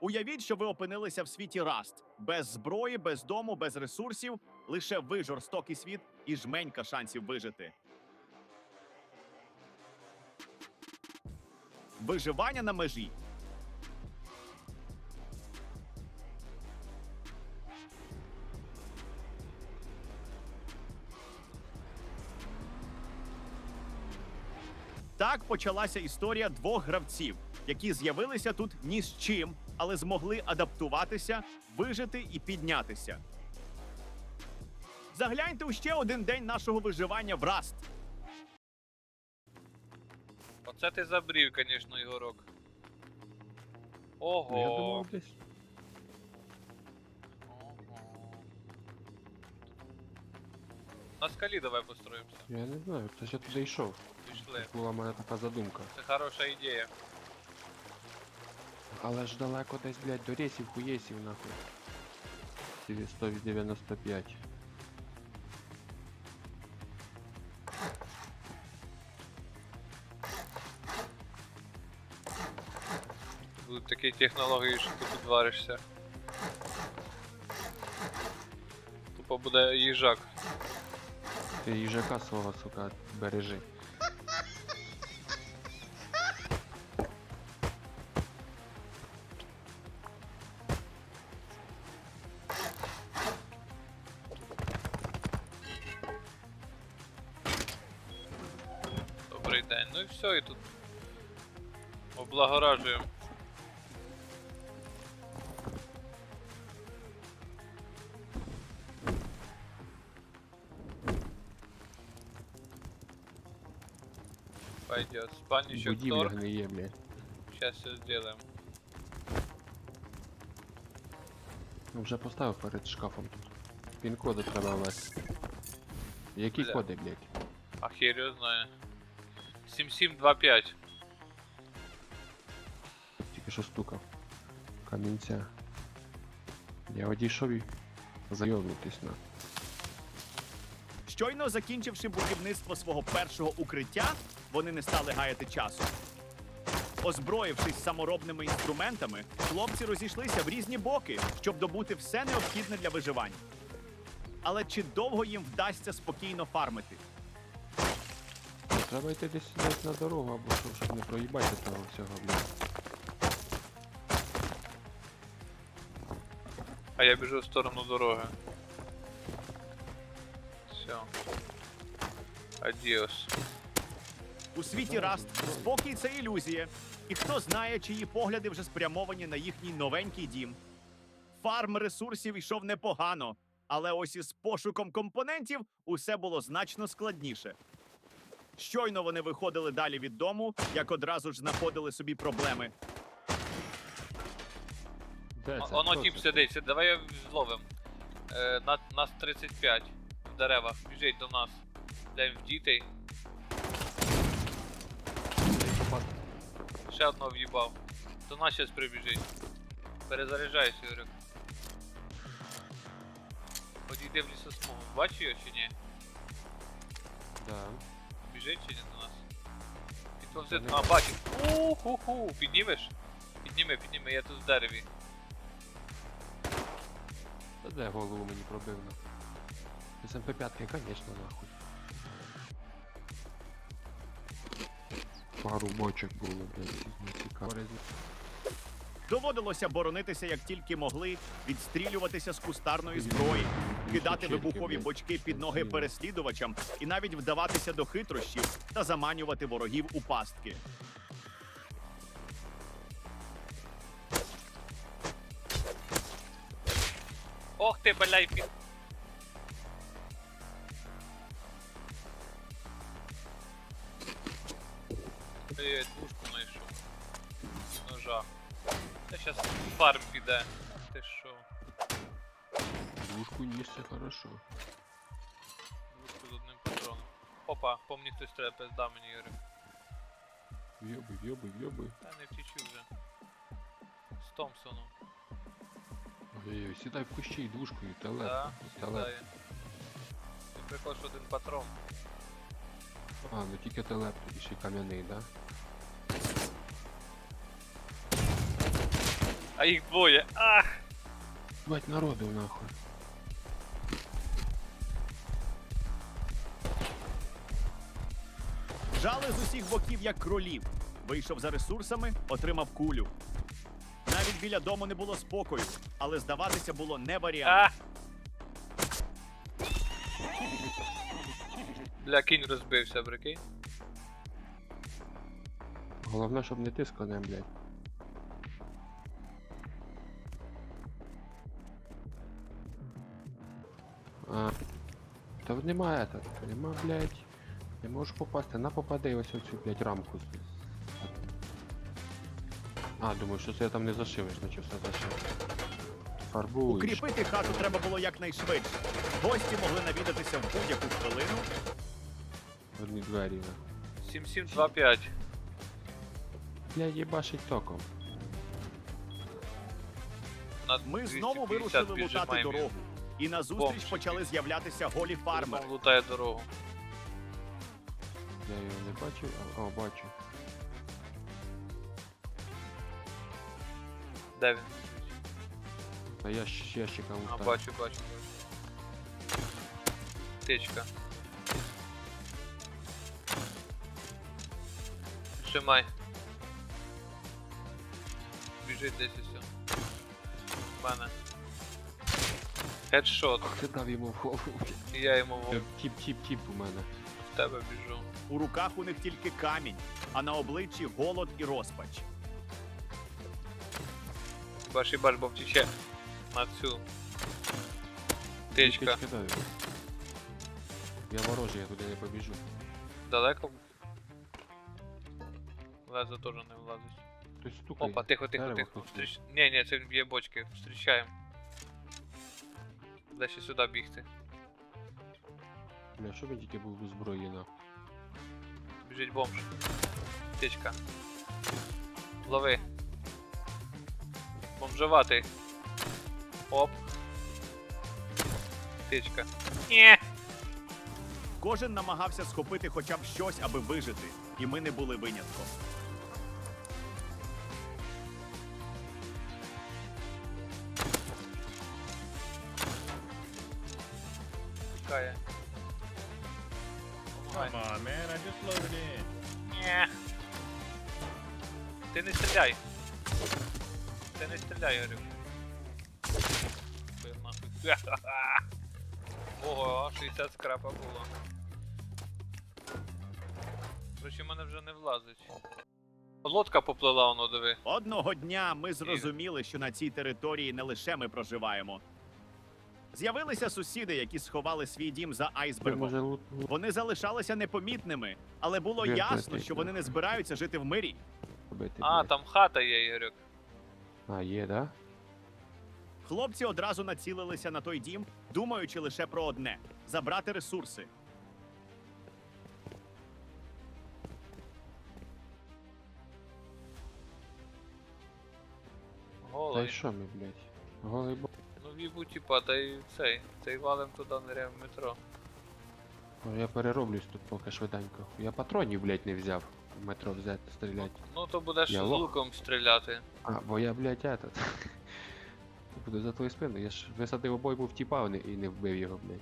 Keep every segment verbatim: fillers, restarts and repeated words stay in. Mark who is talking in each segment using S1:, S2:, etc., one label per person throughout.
S1: Уявіть, що ви опинилися в світі Rust. Без зброї, без дому, без ресурсів, лише ви жорстокий світ і жменька шансів вижити. Виживання на межі. Так почалася історія двох гравців, які з'явилися тут ні з чим, але змогли адаптуватися, вижити і піднятися. Загляньте у ще один день нашого виживання в Rust.
S2: Оце ти забрів, звісно, Ігорок.
S3: Ну, я
S2: Ого.
S3: думав десь.
S2: Ого. На скалі давай построїмося.
S3: Я не знаю, хтось я туди йшов.
S2: Пішли.
S3: Була в мене така задумка.
S2: Це хороша ідея.
S3: Але ж далеко десь, блядь, до рейсів, хуєсів, нахуй. сто дев'яносто п'ять.
S2: Будуть такі технології, що ти тут варишся. Тупо буде їжак.
S3: Ти їжака свого, сука, бережи.
S2: Добрий день. Ну і все, і тут облагоражуємо. Пойдет. Спальничок
S3: Будівля
S2: торг.
S3: гниє, блядь.
S2: Сейчас все сделаем.
S3: Ну, вже поставив перед шкафом тут. Пін-коди треба ввести. Які
S2: Бля.
S3: коди, блядь?
S2: А хер його знає. сім сім два п'ять.
S3: Тільки що стукав. Камінця. Я одійшов і зайобнутись на.
S1: Щойно закінчивши будівництво свого першого укриття, вони не стали гаяти часу. Озброївшись саморобними інструментами, хлопці розійшлися в різні боки, щоб добути все необхідне для виживання. Але чи довго їм вдасться спокійно фармити?
S3: Треба йти десь десь на дорогу, або що, щоб не проїбати того всього, блядь.
S2: А я біжу в сторону дороги. Все. Адіос.
S1: У світі Rust спокій – це ілюзія. І хто знає, чиї погляди вже спрямовані на їхній новенький дім. Фарм ресурсів йшов непогано, але ось із пошуком компонентів усе було значно складніше. Щойно вони виходили далі від дому, як одразу ж знаходили собі проблеми.
S3: Де
S2: О-
S3: це?
S2: Оно
S3: Хто
S2: тип
S3: це?
S2: сидить, сидить. Давай його зловим. Е, на, нас тридцять п'ять в деревах. Біжить до нас. Дем в дітей. Ще одного в'їбав. До нас щас прибіжить. Перезаряджайся, Юрик. Подійди в лісосмугу. Бачиш його чи ні?
S3: Да.
S2: Біжить чи ні до нас? Підповзти.
S3: Та не
S2: А, бачив. Уху-ху. Піднімеш? Підніми, підніми, я тут в дереві.
S3: Та де голову мені пробив, нахуй? З ем пі п'ять, конечно, нахуй. Пару бочок було, блядь, не цікаво.
S1: Доводилося боронитися як тільки могли, відстрілюватися з кустарної зброї, кидати вибухові бочки під ноги переслідувачам і навіть вдаватися до хитрощів та заманювати ворогів у пастки.
S2: Ох ти, бляй, під... Ой, двушку знайшов. Ножа. Та щас фарм піде. Ти шо?
S3: Двушку ніж, це хорошо.
S2: Двушку з одним патроном. Опа, по мені хтось треба, пизда мені, Юрик.
S3: В'єбуй, в'єбуй, в'єбуй.
S2: Та не втічу вже. З Томпсоном.
S3: Ой-ой, сідай в кущі і двушкою, телеп.
S2: Да,
S3: телеп.
S2: сідає. Ти прикол, що один патрон.
S3: А, ну тільки телеп, тоді ще й кам'яний, да?
S2: А їх двоє. Ах!
S3: Бать народу нахуй.
S1: Жали з усіх боків, як кролів. Вийшов за ресурсами, отримав кулю. Навіть біля дому не було спокою, але здаватися було не варіант.
S2: А! Бля, кінь розбився, прикинь.
S3: Головне, щоб не ти з конем, блядь. А. Та нема это, нема, блядь. Не можеш попасти, на попади ось оцю, блядь, рамку. А, думаю, що це я там не зашивеш, значить все зашив. Фарбуєш.
S1: Укріпити хату треба було якнайшвидше. Гості могли навідатися в будь-яку хвилину.
S3: Одні двері, на.
S2: сім сім два п'ять.
S3: Блядь, їбашить током.
S2: На
S1: Ми знову
S2: 250
S1: вирушили лутати
S2: піджимаємо.
S1: дорогу. І назустріч
S2: Бомж.
S1: почали з'являтися голі фармери.
S2: Фармер лутає дорогу.
S3: Я його не бачив, а о, бачу.
S2: Де він?
S3: А я з ящика
S2: А,
S3: лутаю.
S2: бачу, бачу. Течка. Тримай. Біжить десь усе. В мене. Хедшот.
S3: Ти дав йому в голову.
S2: І я йому в
S3: Тіп-тіп-тіп у мене.
S2: тебе біжу.
S1: У руках у них тільки камінь, а на обличчі голод і розпач.
S2: Баш і баш, бо втіче на цю. Течка.
S3: Тички даю. Я ворожий, я туди не побіжу.
S2: Далеко? Лезо теж не влазить.
S3: Хтось стукає.
S2: Опа, тихо, тихо,
S3: Дерево
S2: тихо.
S3: хтось
S2: Встріч... Ні, ні, це він б'є бочки. Встрічаємо. Де ще сюди бігти.
S3: Бля, що він тільки був у зброї на.
S2: Біжить бомж. Течка. Лови. Бомжеватий. Оп. Течка. Ні.
S1: Кожен намагався схопити хоча б щось, аби вижити, і ми не були винятком.
S2: Тікає.
S4: Come on, man. I just loaded in.
S2: Ні. Ти не стріляй. Ти не стріляй, говорю. Бив нахуй. Ого, шістдесят скрапа було. Короче, в мене вже не влазить. Лодка поплила, воно диви.
S1: Одного дня ми зрозуміли, що на цій території не лише ми проживаємо. З'явилися сусіди, які сховали свій дім за
S3: Ти
S1: айсбергом.
S3: може лут... лут-
S1: Вони залишалися непомітними, але було
S3: Вірте,
S1: ясно,
S3: ти-
S1: що вони не збираються жити в мирі.
S3: робити,
S2: А,
S3: блядь.
S2: там хата є, Ігорюк.
S3: А, є, да?
S1: Хлопці одразу націлилися на той дім, думаючи лише про одне забрати ресурси.
S3: Та й
S2: Голий.
S3: що ми, блядь? Голий бо...
S2: Ну вібу типа, та й цей. Та й валим туди ниряємо в метро.
S3: О, я перероблюсь тут поки швиденько. Я патронів, блядь, не взяв. В метро взяти, стріляти.
S2: Ну то будеш
S3: Я
S2: з
S3: лох.
S2: луком стріляти.
S3: А, бо я, блядь, этот. Буду за твою спину. Я ж висадив обойму в тіпа і не- і не вбив його, блядь.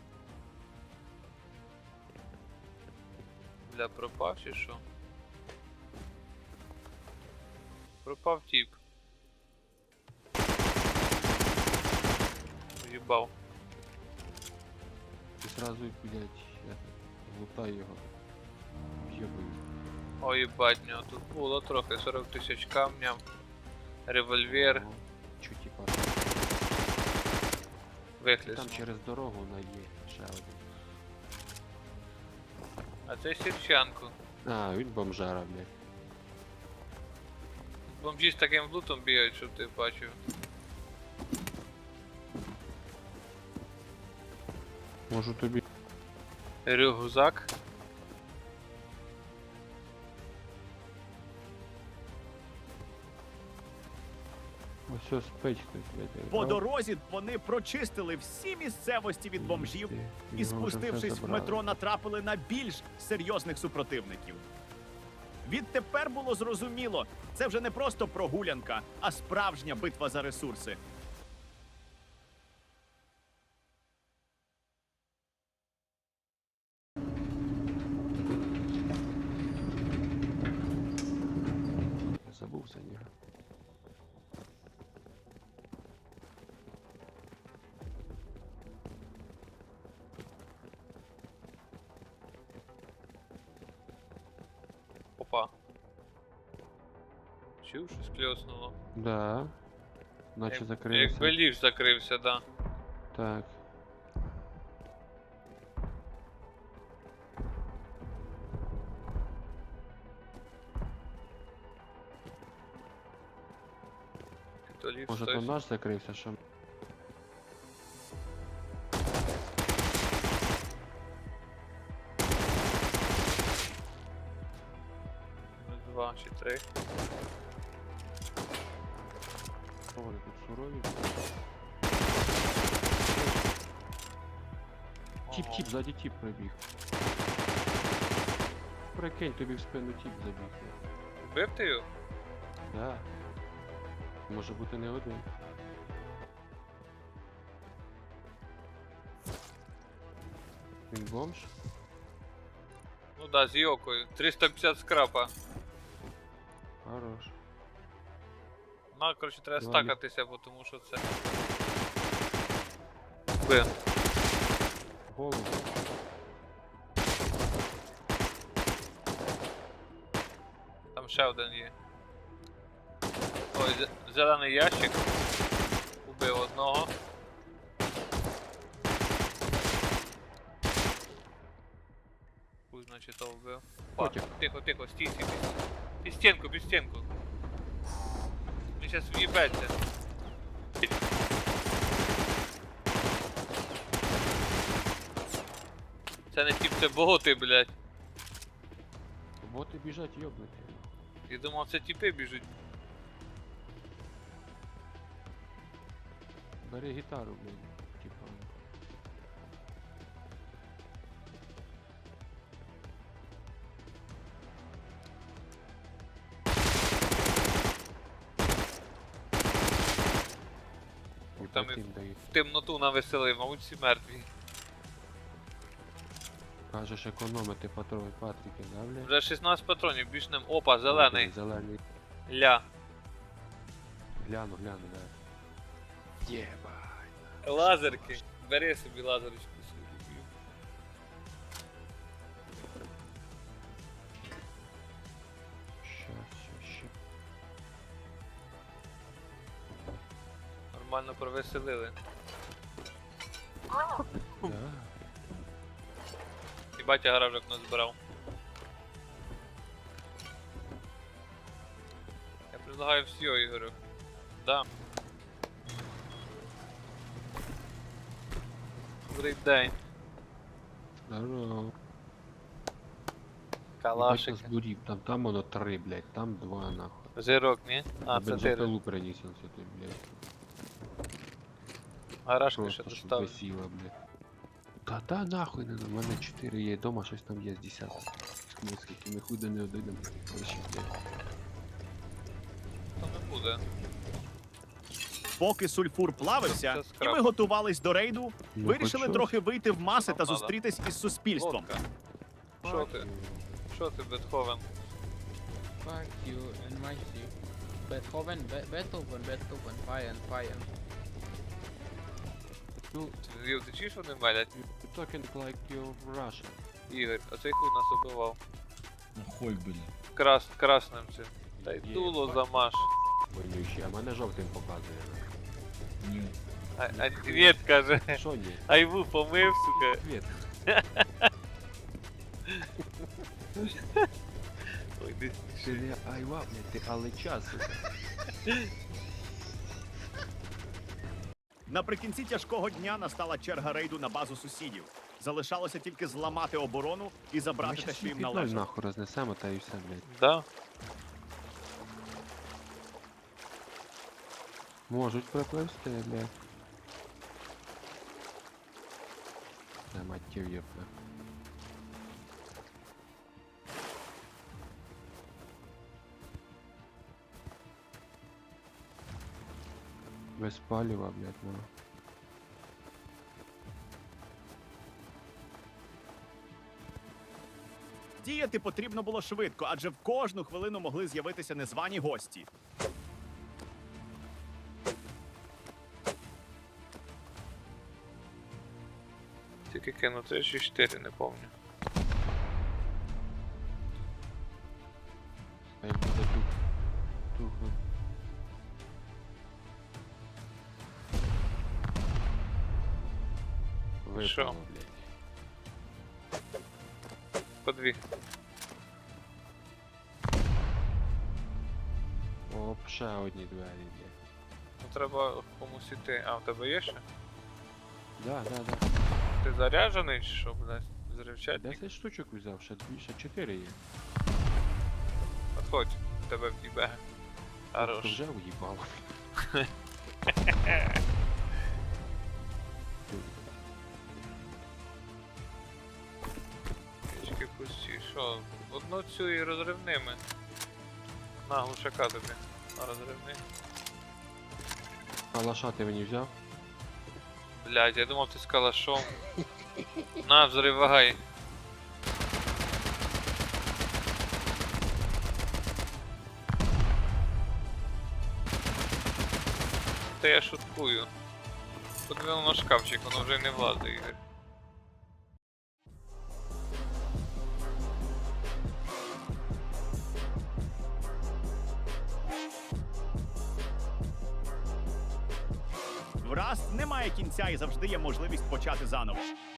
S2: Бля, пропав чи що? Пропав тіп. Уїбав.
S3: І зразу, блядь, я лутаю його. В'єбую.
S2: Ой, їбать, в нього тут було трохи, сорок тисяч камня, револьвер,
S3: О, Чу, типа.
S2: вихліс.
S3: Там через дорогу на є ще один.
S2: А це Сірчанку.
S3: А, він бомжара, блядь.
S2: Бомжі з таким лутом бігають, щоб ти бачив.
S3: Можу тобі.
S2: Рюкзак.
S3: Ось ось спить хтось, блядь.
S1: По дорозі вони прочистили всі місцевості від бомжів і, спустившись в метро, натрапили на більш серйозних супротивників. Відтепер було зрозуміло, це вже не просто прогулянка, а справжня битва за ресурси.
S3: Я забув за нього.
S2: Опа. Чув, щось кльоснуло.
S3: Да. Наче
S2: Як-
S3: закрився.
S2: Якби ліфт закрився, да.
S3: Так.
S2: То ліфт
S3: Може то
S2: хтось.
S3: наш закрився, що.
S2: Два чи три.
S3: О, вони тут сурові. Тіп,
S2: Ага.
S3: тіп, ззаді тіп пробіг. Прикинь, тобі в спину тіп забіг.
S2: Вбив ти його?
S3: Да. Може бути не один. Він бомж?
S2: Ну да, з йокою. триста п'ятдесят скрапа.
S3: Хорош.
S2: Ну, коротше, треба
S3: Два
S2: стакатися, бо тому що це. Вбив.
S3: Голову.
S2: Там ще один є. Ой, зе- зелений ящик. Убив одного. Хуй, значить, то вбив. Опа,
S3: Котик.
S2: тихо, тихо, стій, стій, стій. Під стінку, під стінку. Він щас в'їбеться. Це не тип, це боти, блядь.
S3: Боти біжать йобнуті.
S2: Я думав, це тіпи біжуть.
S3: Бери гітару, блядь. Типа. І
S2: Там
S3: потім дають.
S2: В темноту навеселив, мабуть, всі мертві.
S3: Кажеш економити патрони Патріки, да, блядь?
S2: Вже шістнадцять патронів, більш ним. Опа, зелений.
S3: Зелений.
S2: Ля.
S3: Гляну, гляну, да. Єба.
S2: Лазерки. Бери собі лазерочку собі.
S3: Щас, щас, щас.
S2: Нормально провеселили.
S3: Да.
S2: І батя гаражок назбирав. Я предлагаю всі, Ігорю. Да. Добрий день.
S3: Здорово.
S2: Калашики.
S3: Збурів, там, там воно три, блядь, там два нахуй.
S2: Жирок, ні? А, це ти.
S3: Бензопилу приніс он сюди, блядь.
S2: Гаражки ще
S3: Просто щоб
S2: доставив.
S3: висіло, блядь. Та та нахуй не, у мене чотири є дома, щось там є з десяток. Ну, скільки ми хуй до не дойдемо. Короче, блядь.
S2: То не буде.
S1: Поки сульфур плавився,
S2: Це
S1: і
S2: скрап.
S1: ми готувались до рейду,
S3: Ну,
S1: вирішили
S3: хоч
S1: трохи вийти в маси
S2: Нам
S1: та
S2: надо.
S1: зустрітись із суспільством.
S2: Лодка. Що ти? Що ти, Бетховен?
S5: Fuck you and my ship. Beethoven, Be Beethoven, Beethoven, Feiern, Feiern.
S3: Ну,
S2: Ти ти чуєш, вони мелять?
S3: you're talking like you're Russian.
S2: Ігор, оцей хуй нас убивав.
S4: Нахуй, блин.
S2: Крас, красним цим. Та й
S3: Є,
S2: дуло
S3: бать.
S2: замаш.
S3: Вонючий, а мене жовтим показує.
S4: Нет.
S2: А, а нет, каже.
S3: Що ні?
S2: Айву помив, сука.
S3: Привіт.
S2: Ой, десь.
S3: Ти не айва, блядь, ти алеча, сука.
S1: Наприкінці тяжкого дня настала черга рейду на базу сусідів. Залишалося тільки зламати оборону і забрати те, що їм
S3: ноль
S1: належить.
S3: нахуй рознесемо, та і все, блядь.
S2: Да?
S3: Можуть пропливсти, блядь. Та матів єпна. Без палива, блядь, ну.
S1: Діяти потрібно було швидко, адже в кожну хвилину могли з'явитися незвані гості.
S2: Тільки кину три чи чотири, не пам'ятаю.
S3: Хай буде тут. Тухло.
S2: Що?
S3: Випало, блядь.
S2: По дві.
S3: О, ще одні двері, блядь.
S2: Ну треба комусь іти. А, в тебе є ще?
S3: Да, да, да.
S2: Ти заряджений чи що, блядь? Зривчатник?
S3: десять штучок взяв, ще дві, ще чотири є.
S2: Отходь, тебе в'їбе.
S3: То
S2: Хорош.
S3: вже уїбало.
S2: Пічки пусті. Що? Одну цю і розривними. На, глушака тобі. На розривний.
S3: Калаша ти мені взяв?
S2: Блядь, я думав ти з калашом. На, взривай. Та я шуткую. Подивимо на шкафчик, воно вже не влазить, Ігор.
S1: В Rust немає кінця і завжди є можливість почати заново.